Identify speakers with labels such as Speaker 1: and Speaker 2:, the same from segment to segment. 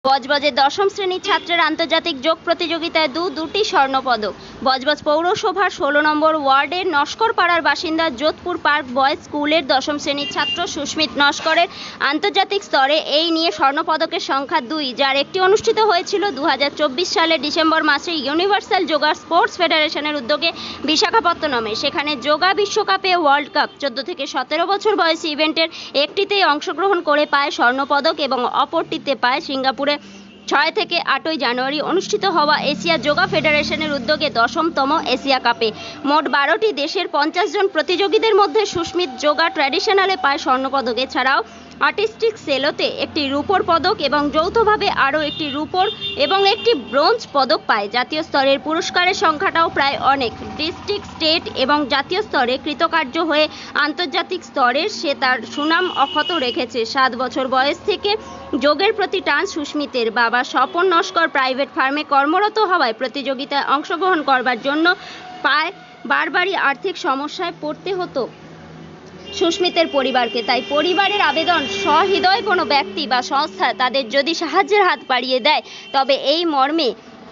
Speaker 1: বজবজের দশম শ্রেণীর ছাত্রের আন্তর্জাতিক যোগ প্রতিযোগিতায় দুটি স্বর্ণপদক। বজবজ পৌরসভার 16 নম্বর ওয়ার্ডের নস্করপাড়ার বাসিন্দা যোধপুর পার্ক বয়েজ স্কুলের দশম শ্রেণীর ছাত্র সুস্মিত নস্করের আন্তর্জাতিক স্তরে এই নিয়ে স্বর্ণপদকের সংখ্যা 2, যার একটি অনুষ্ঠিত হয়েছিল 2024 সালের ডিসেম্বর মাসে ইউনিভার্সাল যোগা স্পোর্টস ফেডারেশনের উদ্যোগে বিশাখাপত্তনমে। সেখানে যোগা বিশ্বকাপে ওয়ার্ল্ড কাপ 14 থেকে 17 বছর বয়সী ইভেন্টের একটিতেই অংশগ্রহণ করে পায় স্বর্ণপদক এবং অপরটিতে পায় সিঙ্গাপুরে 6 থেকে 8 জানুয়ারি অনুষ্ঠিত হওয়া এশিয়া যোগা ফেডারেশনের উদ্যোগে 10তম এশিয়া কাপে। মোট 12টি দেশের 50 জন প্রতিযোগীদের মধ্যে সুস্মিত যোগা ট্র্যাডিশনালে পায় স্বর্ণপদক। এছাড়াও আর্টিস্টিক সেলোতে একটি রূপোর পদক এবং যৌথভাবে আরও একটি রূপোর এবং একটি ব্রোঞ্জ পদক পায়। জাতীয় স্তরের পুরস্কারের সংখ্যাটাও প্রায় অনেক। ডিস্ট্রিক্ট, স্টেট এবং জাতীয় স্তরে কৃতকার্য হয়ে আন্তর্জাতিক স্তরে সে তার সুনাম অক্ষত রেখেছে। 7 বছর বয়স থেকে যোগের প্রতি টান সুস্মিতের। বাবা স্বপন নস্কর প্রাইভেট ফার্মে কর্মরত হওয়ায় প্রতিযোগিতায় অংশগ্রহণ করবার জন্য বারবারই আর্থিক সমস্যায় পড়তে হতো সুস্মিতের পরিবারকে। তাই পরিবারের আবেদন, সহৃদয় কোনো ব্যক্তি বা সংস্থা তাদের যদি সাহায্যের হাত বাড়িয়ে দেয় তবে এই মর্মে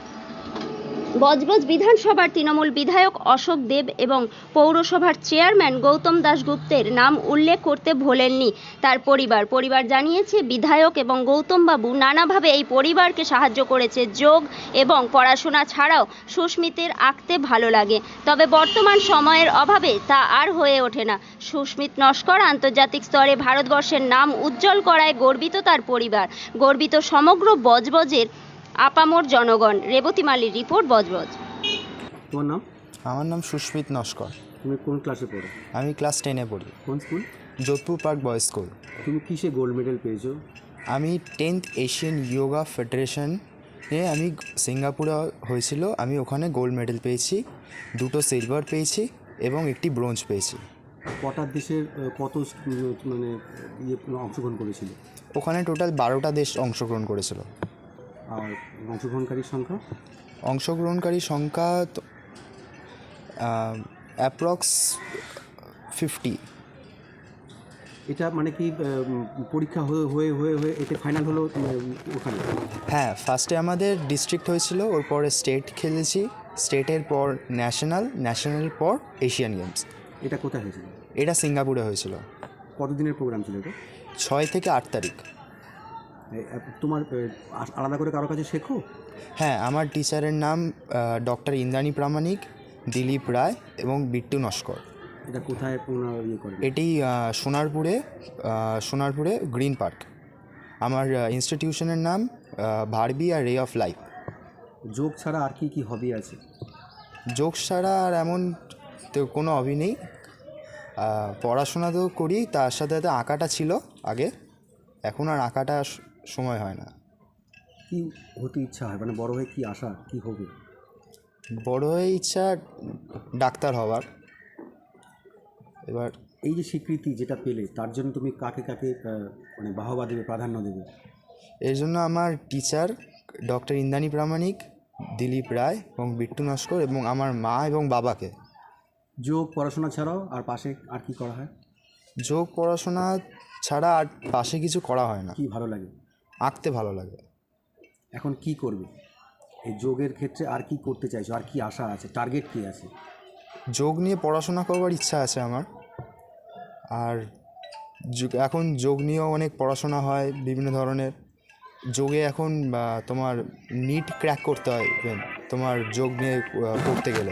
Speaker 1: বজবজ বিধানসভার তৃণমূল বিধায়ক অশোক দেব এবং পৌরসভার চেয়ারম্যান গৌতম দাশগুপ্তের নাম উল্লেখ করতে ভোলেননি তার পরিবার জানিয়েছে, বিধায়ক এবং গৌতমবাবু নানাভাবে এই পরিবারকে সাহায্য করেছে। যোগ এবং পড়াশোনা ছাড়াও সুস্মিতের আঁকতে ভালো লাগে, তবে বর্তমান সময়ের অভাবে তা আর হয়ে ওঠে না। সুস্মিত নস্কর আন্তর্জাতিক স্তরে ভারতবর্ষের নাম উজ্জ্বল করায় গর্বিত তার পরিবার, গর্বিত সমগ্র বজবজের আপামর জনগণ। রেবতী মালির রিপোর্ট, বজবজ।
Speaker 2: তোমার নাম?
Speaker 3: আমার নাম সুস্মিত নস্কর।
Speaker 2: তুমি কোন ক্লাসে পড়ো?
Speaker 3: আমি ক্লাস 10-এ পড়ি।
Speaker 2: কোন school?
Speaker 3: Jodhpur park boys school.
Speaker 2: তুমি কিসে গোল্ড মেডেল পেয়েছো?
Speaker 3: আমি 10th এশিয়ান যোগা ফেডারেশনে আমি সিঙ্গাপুরে হয়েছিল, আমি ওখানে গোল্ড মেডেল পেয়েছি, 2টো সিলভার পেয়েছি এবং একটি ব্রোঞ্জ পেয়েছি।
Speaker 2: কটা দেশের কত মানে অংশগ্রহণ করেছিল?
Speaker 3: ওখানে টোটাল 12টা দেশ অংশগ্রহণ করেছিল।
Speaker 2: আর অংশগ্রহণকারীর সংখ্যা
Speaker 3: অ্যাপ্রক্স 50।
Speaker 2: এটা মানে কি পরীক্ষা হয়ে হয়ে হয়ে এতে ফাইনাল হলো ওখানে?
Speaker 3: হ্যাঁ, ফার্স্টে আমাদের ডিস্ট্রিক্ট হয়েছিল, ওর পরে স্টেট খেলেছি, স্টেটের পর ন্যাশনালের পর এশিয়ান গেমস।
Speaker 2: এটা কোথায় হয়েছিল?
Speaker 3: এটা সিঙ্গাপুরে হয়েছিল।
Speaker 2: কতদিনের প্রোগ্রাম ছিল এটা?
Speaker 3: 6 থেকে 8 তারিখ।
Speaker 2: তোমার আলাদা করে কারো কাছে শেখো?
Speaker 3: হ্যাঁ, আমার টিচারের নাম ডক্টর ইন্দ্রাণী প্রামাণিক, দিলীপ রায় এবং বিট্টু নস্কর।
Speaker 2: এটা কোথায় করে?
Speaker 3: এটি সোনারপুরে গ্রিন পার্ক। আমার ইনস্টিটিউশনের নাম ভারবি আর রে অফ লাইফ।
Speaker 2: যোগ ছাড়া আর কি হবি আছে?
Speaker 3: যোগ ছাড়া আর এমন তো কোনো হবি নেই। পড়াশোনা তো করি, তার সাথে সাথে আঁকাটা ছিল আগে, এখন আর আঁকাটা সময় হয় না।
Speaker 2: কি হতে ইচ্ছা হয়, মানে বড় হয়ে কি আশা, কি হবে?
Speaker 3: বড় হয়ে ইচ্ছা ডাক্তার হওয়ার। এবার
Speaker 2: এই যে স্বীকৃতি যেটা পেলে, তার জন্য তুমি কাকে মানে বাহবা দেবে, প্রাধান্য দেবে?
Speaker 3: এর জন্য আমার টিচার ডক্টর ইন্দ্রাণী প্রামাণিক, দিলীপ রায় এবং বিট্টু নস্কর এবং আমার মা এবং বাবাকে।
Speaker 2: যোগ পড়াশোনা ছাড়াও আর পাশে আর কি করা হয়?
Speaker 3: যোগ পড়াশোনা ছাড়া আর পাশে কিছু করা হয় না।
Speaker 2: কি ভালো লাগে?
Speaker 3: আঁকতে ভালো লাগে।
Speaker 2: এখন কি করবে এই যোগের ক্ষেত্রে? আর কি করতে চাইছো? আর কি আশা আছে, টার্গেট কি আছে?
Speaker 3: যোগ নিয়ে পড়াশোনা করবার ইচ্ছা আছে আমার। আর এখন যোগ নিয়েও অনেক পড়াশোনা হয় বিভিন্ন ধরনের। যোগে এখন তোমার নিট ক্র্যাক করতে হয় তোমার যোগ নিয়ে পড়তে গেলে।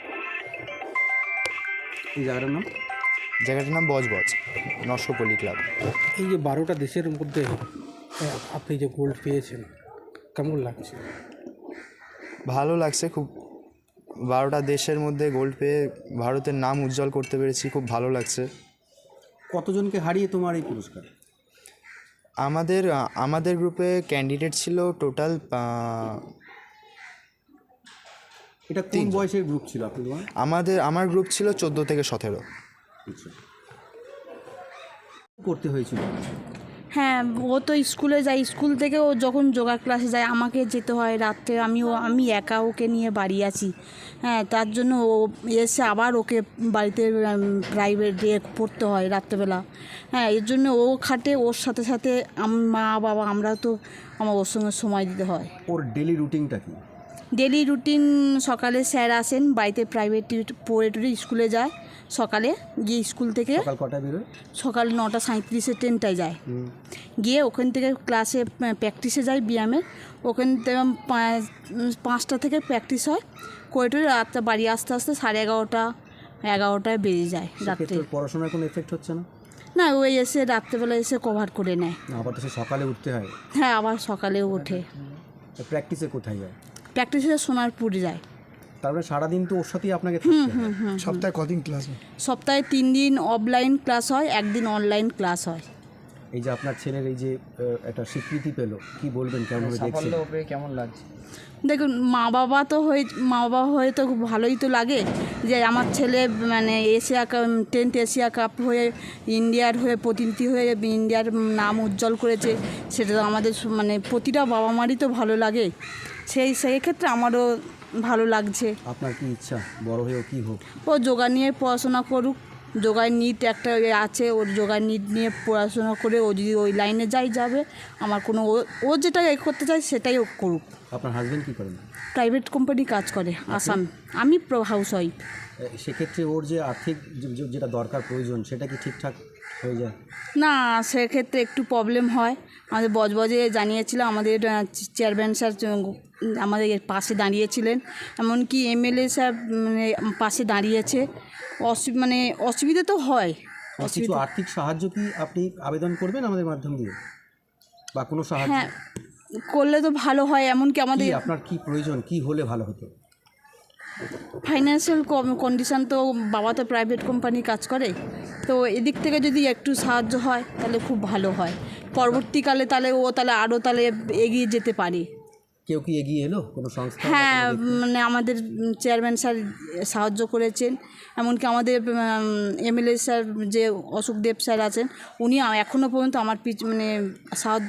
Speaker 2: এই জায়গাটার
Speaker 3: নাম বজবজ, নস্করপল্লী ক্লাব।
Speaker 4: এই যে 12টা দেশের মধ্যে আপনি যে গোল্ড পেয়েছেন, কেমন লাগছে?
Speaker 3: ভালো লাগছে খুব। 12টা দেশের মধ্যে গোল্ড পেয়ে ভারতের নাম উজ্জ্বল করতে পেরেছি, খুব ভালো লাগছে।
Speaker 2: কতজনকে হারিয়ে তোমার এই পুরস্কার?
Speaker 3: আমাদের গ্রুপে ক্যান্ডিডেট ছিল টোটাল
Speaker 2: এটা কোন বয়সের গ্রুপ ছিল তোমার?
Speaker 3: আমার গ্রুপ ছিল 14 থেকে 17।
Speaker 2: আচ্ছা, করতে হয়েছিল?
Speaker 5: হ্যাঁ, ও তো স্কুলে যায়, স্কুল থেকে ও যখন যোগা ক্লাসে যায় আমাকে যেতে হয় রাত্রে, আমি একা ওকে নিয়ে বাড়ি আছি। হ্যাঁ, তার জন্য ও এসে আবার ওকে বাড়িতে প্রাইভেট পড়তে হয় রাত্রেবেলা। হ্যাঁ, এর জন্য ও খাটে, ওর সাথে সাথে মা বাবা আমরা তো ওর সঙ্গে সময় দিতে হয়।
Speaker 2: ওর ডেলি রুটিনটা কি?
Speaker 5: ডেলি রুটিন সকালে স্যার আসেন, বাড়িতে প্রাইভেট পড়ে টুড়ে স্কুলে যায়, সকালে গিয়ে স্কুল থেকে
Speaker 2: সকাল কটায় বেরোয়?
Speaker 5: সকাল 9:37 ট্রেনটায় যায়, গিয়ে ওখান থেকে ক্লাসে প্র্যাকটিসে যায় ব্যায়ামের। ওখান থেকে 5টা থেকে প্র্যাকটিস হয়, করে টরে রাতটা বাড়ি আসতে আসতে 11:30 বেজে যায় রাত্রে।
Speaker 2: সেক্ষেত্রে ওর পড়াশোনার কোনো এফেক্ট হচ্ছে না?
Speaker 5: না, ওই এসে রাত্রেবেলা এসে কভার করে নেয়।
Speaker 2: না, আবার তো সে সকালে উঠতে হয়।
Speaker 5: হ্যাঁ, আবার সকালে ওঠে।
Speaker 2: প্র্যাকটিসে কোথায় যায়?
Speaker 5: প্র্যাকটিসে সোনারপুর যায়।
Speaker 2: তারপরে সারাদিন তো ওর সাথেই আপনাকে থাকতে হয়।
Speaker 3: সপ্তাহে কদিন ক্লাস হয়?
Speaker 5: সপ্তাহে 3 দিন অফলাইন ক্লাস হয়, একদিন অনলাইন ক্লাস হয়।
Speaker 2: এই যে আপনার ছেলের এই যে একটা স্বীকৃতি পেলো, কি বলবেন, কেমন দেখছেন?
Speaker 6: কেমন লাগছে?
Speaker 5: দেখুন, মা বাবা হয়ে তো খুব ভালোই তো লাগে যে আমার ছেলে মানে 10th এশিয়া কাপ হয়ে ইন্ডিয়ার হয়ে প্রতিনিধি হয়ে ইন্ডিয়ার নাম উজ্জ্বল করেছে। সেটা তো আমাদের মানে প্রতিটা বাবা মারই তো ভালো লাগে। সেই ক্ষেত্রে আমারও ভালো লাগছে।
Speaker 2: আপনার কি ইচ্ছা বড় হয়েও কি হোক?
Speaker 5: ও যোগা নিয়ে পড়াশোনা করুক, যোগার নিট একটা আছে, ওর যোগার নিট নিয়ে পড়াশোনা করে ও যদি ওই লাইনে যাবে, আমার কোনো ও যেটা করতে চায় সেটাই ও করুক।
Speaker 2: আপনার হাজবেন্ড কি করেন?
Speaker 5: প্রাইভেট কোম্পানি কাজ করে আসাম। আমি হাউস ওয়াইফ।
Speaker 2: সেক্ষেত্রে ওর যে আর্থিক যেটা দরকার প্রয়োজন সেটা কি ঠিকঠাক হয়ে যায়?
Speaker 5: না, সেক্ষেত্রে একটু প্রবলেম হয়। আমাদের বজবজে জানিয়েছিল, আমাদের চেয়ারম্যান স্যার আমাদের পাশে দাঁড়িয়েছিলেন, এমনকি এমএলএ স্যার মানে পাশে দাঁড়িয়েছে। মানে অসুবিধা তো হয়।
Speaker 2: কিছু আর্থিক সাহায্য কি আপনি আবেদন করবেন আমাদের মাধ্যম দিয়ে, বা কোনো সাহায্য?
Speaker 5: হ্যাঁ, করলে তো ভালো হয়। এমনকি আমাদের
Speaker 2: আপনার কি প্রয়োজন, কি হলে ভালো হতো?
Speaker 5: ফাইন্যান্সিয়াল কন্ডিশান তো, বাবা তো প্রাইভেট কোম্পানি কাজ করে, তো এদিক থেকে যদি একটু সাহায্য হয় তাহলে খুব ভালো হয়। পরবর্তীকালে তাহলে আরও এগিয়ে যেতে পারে।
Speaker 2: কেউ কি এগিয়ে এলো, কোনো সংস্থা?
Speaker 5: হ্যাঁ, মানে আমাদের চেয়ারম্যান স্যার সাহায্য করেছেন, এমনকি আমাদের এমএলএ স্যার যে অশোক দেব স্যার আছেন, উনি এখনও পর্যন্ত আমার মানে সাহায্য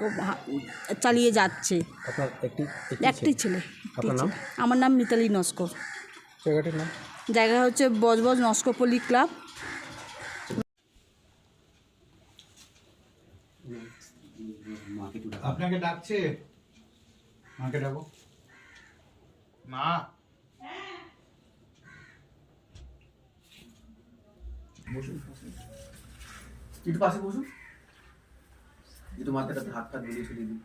Speaker 5: চালিয়ে যাচ্ছে।
Speaker 2: আপনার
Speaker 5: একটি ছেলে।
Speaker 2: আপনার নাম?
Speaker 5: আমার নাম মিতালি নস্কর।
Speaker 4: জায়গাটির নাম?
Speaker 5: জায়গা হচ্ছে বজবজ নস্করপল্লী ক্লাব।
Speaker 7: আপনাকে ডাকছে, মাকে ডাকো। মা, বসুন, একটু পাশে বসুন, একটু মাথাটাতে হাত বুলিয়ে ছড়িয়ে দিন।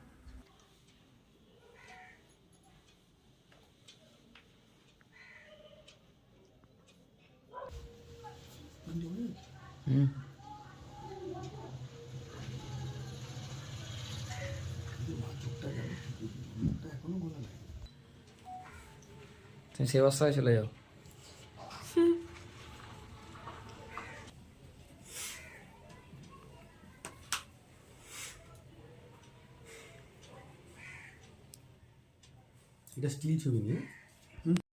Speaker 6: তুমি সেই অবস্থায় চলে যাও।
Speaker 2: এটা স্টিল ছবি নিয়ে